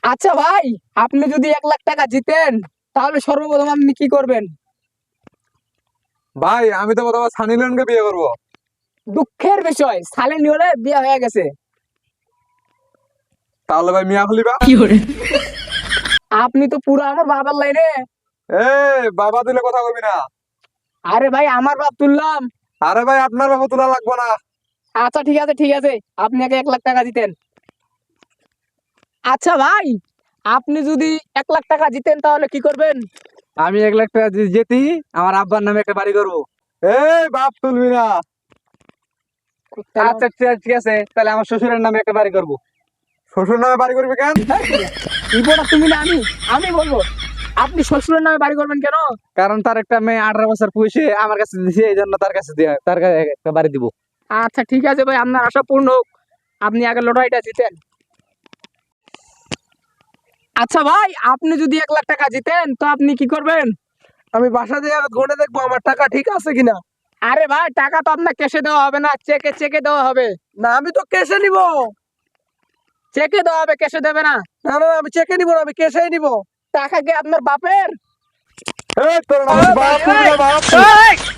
আচ্ছা ভাই, আপনি যদি 1 লাখ টাকা জিতেন তাহলে সর্বপ্রথম আপনি কি করবেন? ভাই আমি তো প্রথমে সানি লিওনকে বিয়ে করবো। দুঃখের বিষয়, সালে নিওলের বিয়ে হয়ে গেছে। তাহলে ভাই মিয়া খলিফা। আপনি তো পুরো আমার বাবার লাইনে। এ বাবা দিলে কথা কবি না। আরে ভাই, আমার বাপ তুললাম। আরে ভাই আপনার বাবা তোলা লাগবো না। আচ্ছা ঠিক আছে ঠিক আছে, আপনি আগে 1 লাখ টাকা দিতেন। আচ্ছা ভাই, আপনি যদি 1 লাখ টাকা জিতেন তাহলে কি করবেন? আমি 1 লাখ টাকা যদি জেতি, আমার আব্বার নামে একটা বাড়ি করবো। এই বাপ তুলবি না। আচ্ছা ঠিক আছে, তাহলে আমার শ্বশুরের নামে একটা বাড়ি করবো। শ্বশুর নামে বাড়ি করবি কেন? রিপোর্টার তুমি না আমি? আমি বলবো। আপনি শ্বশুরের নামে বাড়ি করবেন কেন? কারণ তার একটা মেয়ে 18 বছর পুষে আমার কাছে দিছে, এই জন্য তার কাছে তার কাছে একটা বাড়ি দিব। আচ্ছা ঠিক আছে ভাই, আপনার আশা পূর্ণ হোক। আপনি আগে লড়াইটা জিতেন। আচ্ছা ভাই, আপনি যদি 1 লাখ টাকা জিতেন তো আপনি কি করবেন? আমি বাসা দিয়ে ঘুরে দেখবো আমার টাকা ঠিক আছে কিনা। আরে ভাই, টাকা তো আপনার ক্যাশে দেওয়া হবে না, চেকে চেকে দেওয়া হবে। না আমি তো ক্যাশে নিব। চেকে দেওয়া হবে, ক্যাশে দেবে না। না না আমি চেকে নিব না, আমি ক্যাশেই নিব। টাকা কি আপনার বাপের? এই তোর নাম বাপ তুলবি না বাপ। এই!